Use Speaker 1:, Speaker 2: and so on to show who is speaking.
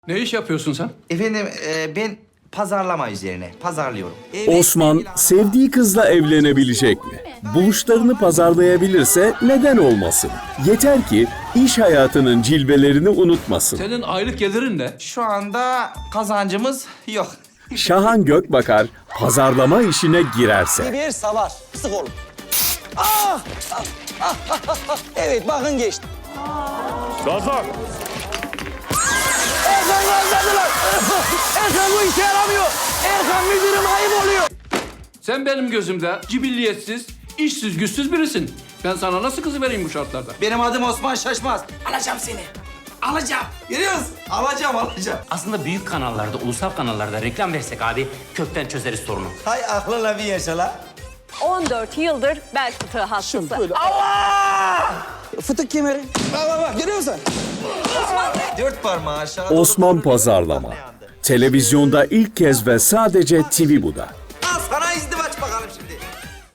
Speaker 1: Ne iş yapıyorsun sen?
Speaker 2: Efendim ben pazarlama üzerine pazarlıyorum.
Speaker 3: Osman sevdiği kızla evlenebilecek mi? Buluşlarını pazarlayabilirse neden olmasın? Yeter ki iş hayatının cilvelerini unutmasın.
Speaker 1: Senin aylık gelirin ne?
Speaker 2: Şu anda kazancımız yok.
Speaker 3: Şahan Gökbakar pazarlama işine girerse.
Speaker 4: Bir savar. Sık oğlum. Evet bakın geçti.
Speaker 5: Gazak.
Speaker 4: Erkan gazladılar. Erkan bu işe yaramıyor. Erkan müdürüm ayıp oluyor.
Speaker 1: Sen benim gözümde cibilliyetsiz, işsiz, güçsüz birisin. Ben sana nasıl kızı vereyim bu şartlarda?
Speaker 2: Benim adım Osman Şaşmaz. Alacağım seni. Alacağım. Görüyor musun? Alacağım.
Speaker 6: Aslında büyük kanallarda, ulusal kanallarda reklam versek abi kökten çözeriz sorunu.
Speaker 2: Hay aklınla bir yaşa la.
Speaker 7: 14 yıldır bel fıtığı hastası.
Speaker 4: Böyle. Fıtık kemeri. Bak görüyor musun?
Speaker 2: Dört parmağı aşağı.
Speaker 3: Osman Pazarlama. Televizyonda ilk kez ve sadece TVBU'da.